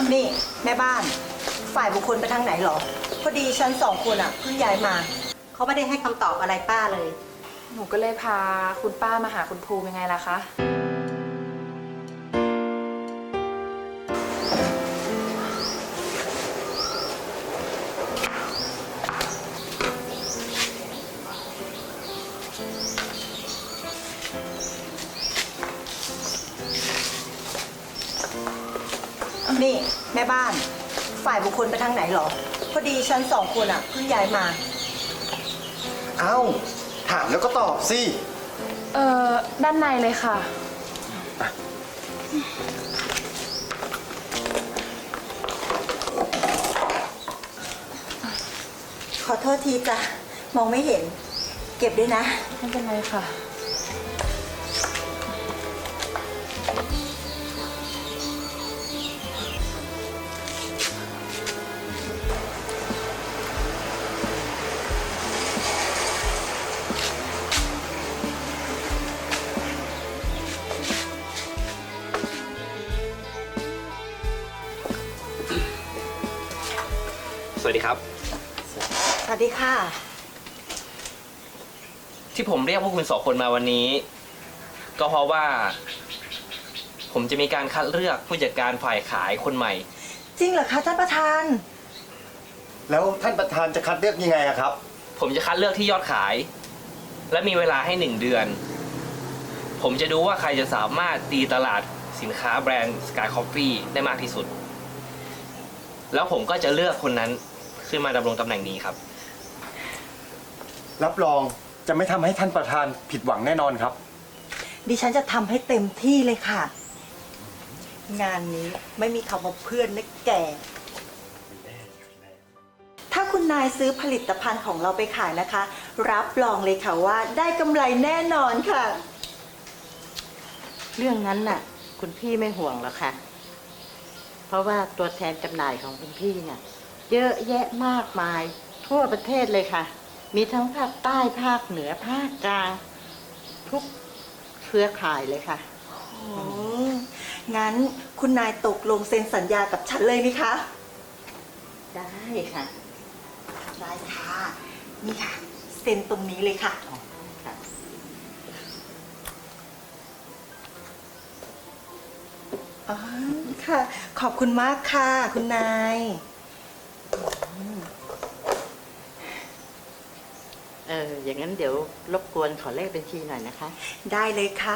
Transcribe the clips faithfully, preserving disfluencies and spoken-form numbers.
นี่แม่บ้านฝ่ายบุคคลไปทางไหนหรอพอดีฉันสองคนอ่ะเพิ่งย้ายมาเขาไม่ได้ให้คำตอบอะไรป้าเลยหนูก็เลยพาคุณป้ามาหาคุณภูมิยังไงล่ะคะนี่แม่บ้านฝ่ายบุคคลไปทางไหนหรอพอดีฉันสองคนอ่ะเพิ่งย้ายมาเอ้าถามแล้วก็ตอบสิเอ่อด้านในเลยค่ะขอโทษทีจ้ะมองไม่เห็นเก็บด้วยนะไม่เป็นไรค่ะสวัสดีครับสวัสดีค่ะที่ผมเรียกพวกคุณสองคนมาวันนี้ก็เพราะว่าผมจะมีการคัดเลือกผู้จัดการฝ่ายขายคนใหม่จริงเหรอคะท่านประธานแล้วท่านประธานจะคัดเลือกยังไงครับผมจะคัดเลือกที่ยอดขายและมีเวลาให้หนึ่งเดือนผมจะดูว่าใครจะสามารถตีตลาดสินค้าแบรนด์ Sky Coffee ได้มากที่สุดแล้วผมก็จะเลือกคนนั้นขึ้นมาดำรงตำแหน่งนี้ครับรับรองจะไม่ทำให้ท่านประธานผิดหวังแน่นอนครับดิฉันจะทำให้เต็มที่เลยค่ะงานนี้ไม่มีคำว่าเพื่อนนะแกถ้าคุณนายซื้อผลิตภัณฑ์ของเราไปขายนะคะรับรองเลยค่ะว่าได้กำไรแน่นอนค่ะเรื่องนั้นน่ะคุณพี่ไม่ห่วงหรอกค่ะเพราะว่าตัวแทนจำหน่ายของคุณพี่เนี่ยเยอะแยะมากมายทั่วประเทศเลยค่ะมีทั้งภาคใต้ภาคเหนือภาคกลางทุกเครือข่ายเลยค่ะอืมงั้นคุณนายตกลงเซ็นสัญญากับฉันเลยไหมคะได้ค่ะได้ค่ะนี่ค่ะเซ็นตรงนี้เลยค่ะค่ะอ๋อค่ะขอบคุณมากค่ะคุณนายเอออย่างนั้นเดี๋ยวรบกวนขอเลขบัญชีหน่อยนะคะได้เลยค่ะ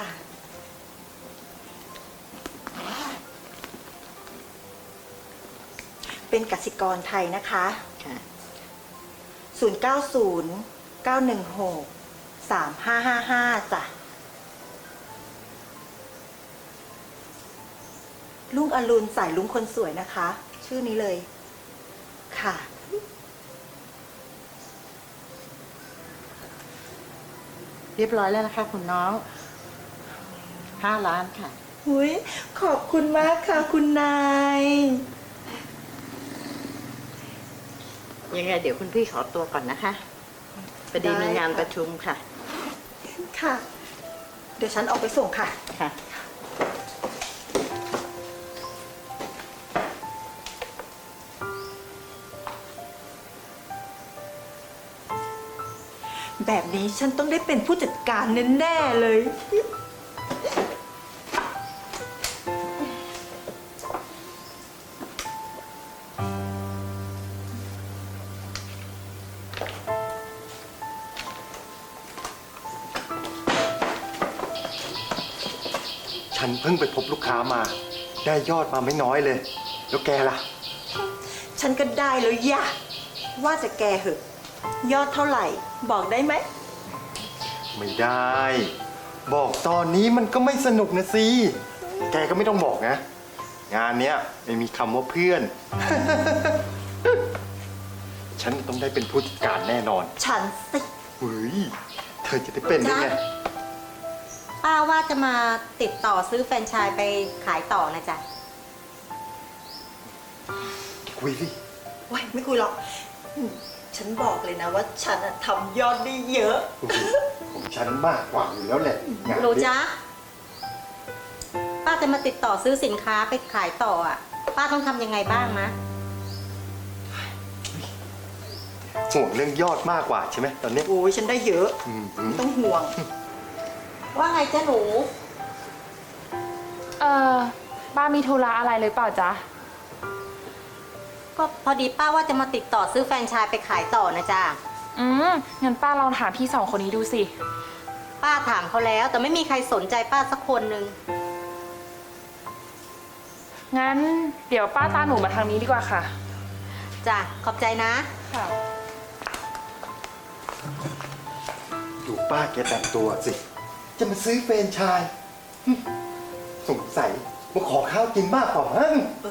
เป็นกสิกรไทยนะคะค่ะศูนย์ เก้า ศูนย์ เก้า หนึ่ง หก สาม ห้า ห้า ห้าจ้ะลุงอรุณสายลุงคนสวยนะคะชื่อนี้เลยค่ะเรียบร้อยแล้วนะคะคุณน้องห้าล้านค่ะหุยขอบคุณมากค่ะคุณนายยังไงเดี๋ยวคุณพี่ขอตัวก่อนนะคะพอดีมีงานประชุมค่ะค่ะเดี๋ยวฉันออกไปส่งค่ะค่ะแบบนี้ฉันต้องได้เป็นผู้จัดการแน่ๆเลยฉันเพิ่งไปพบลูกค้ามาได้ยอดมาไม่น้อยเลยแล้วแกล่ะฉันก็ได้แล้วย่ะว่าจะแกเหอะยอดเท่าไหร่บอกได้ไหมไม่ได้บอกตอนนี้มันก็ไม่สนุกนะสิแกก็ไม่ต้องบอกนะงานเนี้ยไม่มีคำว่าเพื่อน ฉันต้องได้เป็นผู้จัดการแน่นอนฉันสิเฮ้ยเธอจะได้เป็นได้ไงป้าว่าจะมาติดต่อซื้อแฟรนไชส์ไปขายต่อนะจ๊ะคุยสิว้ยไม่คุยหรอกฉันบอกเลยนะว่าฉันทำยอดได้เยอะของฉันมากกว่าอยู่แล้วแหละโรจ๊ะป้าจะมาติดต่อซื้อสินค้าไปขายต่ออ่ะป้าต้องทำยังไงบ้างนะห่วงเรื่องยอดมากกว่าใช่ไหมตอนนี้โอ้ยฉันได้เยอะอืมไม่ต้องห่วงว่าไงจ๊ะหนูเออป้ามีธุระอะไรหรือเปล่าจ๊ะก็พอดีป้าว่าจะมาติดต่อซื้อแฟรนไชส์ไปขายต่อนะจ๊ะอืมงั้นป้าลองถามพี่สองคนนี้ดูสิป้าถามเขาแล้ว แต่ไม่มีใครสนใจป้าสักคนหนึ่งงั้นเดี๋ยวป้าตามหนูมาทางนี้ดีกว่าค่ะจ้ะ ขอบใจนะค่ะดูป้าแกแต่งตัวสิ จะมาซื้อเฟรนไชายหึสงสัยมาขอข้าวกินมากกว่ามั้ง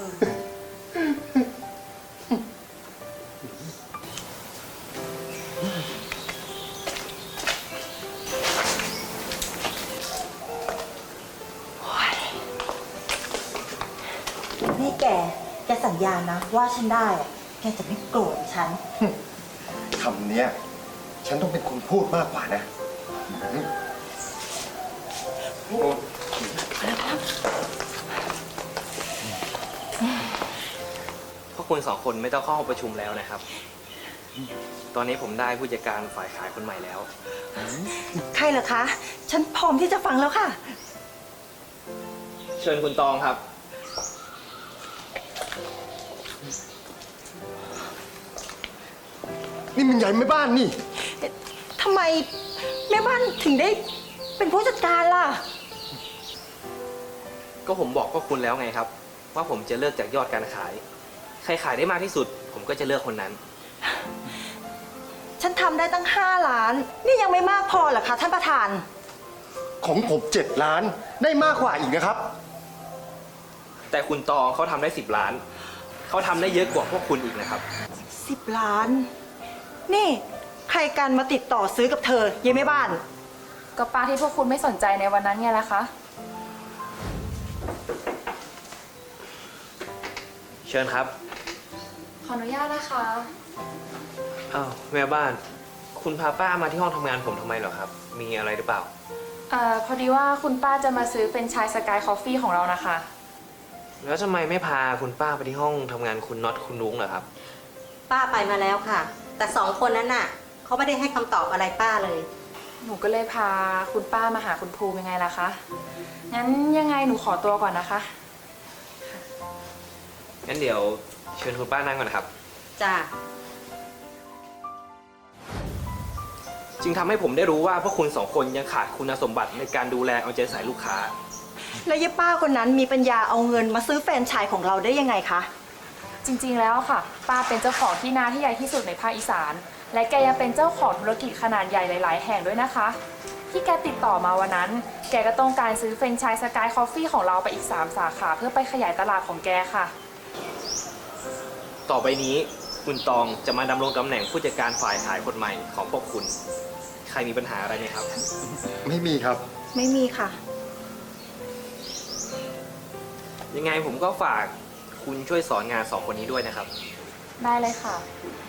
นี่แก แกสัญญานะ ว่าฉันได้อะแกจะไม่โกรธฉันคำเนี้ย ฉันต้องเป็นคนพูดมากกว่านะหืมโอ้พวกคุณสองคนไม่ต้องเข้าห้องประชุมแล้วนะครับ ตอนนี้ผมได้ผู้จัดการฝ่ายขายคนใหม่แล้วใครเหรอคะ ฉันพร้อมที่จะฟังแล้วค่ะเชิญคุณตองครับนี่มันใหญ่ไม่บ้านนี่ทำไมแม่บ้านถึงได้เป็นผู้จัดการล่ะก็ผมบอกพวกคุณแล้วไงครับ ว่าผมจะเลือกจากยอดการขาย ใครขายได้มากที่สุด ผมก็จะเลือกคนนั้นฉันทำได้ตั้งห้าล้าน นี่ยังไม่มากพอเหรอคะท่านประธานของผมเจ็ดล้านได้มากกว่าอีกนะครับแต่คุณตองเขาทำได้สิบล้าน เขาทำได้เยอะกว่าพวกคุณอีกนะครับสิบล้าน นี่ใครกันมาติดต่อซื้อกับเธอเยังไม่บ้านก็ป้าที่พวกคุณไม่สนใจในวันนั้นไงล่ะคะเชิญครับขออนุญาตนะคะอ้าวแม่บ้าน คุณพาป้ามาที่ห้องทำงานผมทำไมเหรอครับ มีอะไรหรือเปล่าเอ่อพอดีว่าคุณป้าจะมาซื้อเป็นไชายสกายคอฟฟี่ของเรานะคะแล้วทำไมไม่พาคุณป้าไปที่ห้องทำงานคุณน็อตคุณนุ้งเหรอครับป้าไปมาแล้วค่ะ แต่สองคนนั้นน่ะเขาไม่ได้ให้คำตอบอะไรป้าเลยหนูก็เลยพาคุณป้ามาหาคุณภูมิยังไงล่ะคะ งั้นยังไงหนูขอตัวก่อนนะคะงั้นเดี๋ยวเชิญคุณป้านั่งก่อนนะครับจ้ะจึงทำให้ผมได้รู้ว่าพวกคุณสองคนยังขาดคุณสมบัติในการดูแลเอาใจใส่ลูกค้าแล้วยายป้าคนนั้นมีปัญญาเอาเงินมาซื้อแฟรนไชส์ของเราได้ยังไงคะจริงๆ แล้วค่ะ ป้าเป็นเจ้าของที่นาที่ใหญ่ที่สุดในภาคอีสาน และแกยังเป็นเจ้าของธุรกิจขนาดใหญ่หลาย ๆ แห่งด้วยนะคะ ที่แกติดต่อมาวันนั้น แกก็ต้องการซื้อเฟรนไชส์สกายคอฟฟี่ของเราไปอีกสามสาขาเพื่อไปขยายตลาดของแกค่ะต่อไปนี้คุณตองจะมาดำรงตำแหน่งผู้จัดการฝ่ายขายคนใหม่ของพวกคุณ ใครมีปัญหาอะไรไหมครับไม่มีครับไม่มีค่ะยังไงผมก็ฝากคุณช่วยสอนงานสองคนนี้ด้วยนะครับได้เลยค่ะค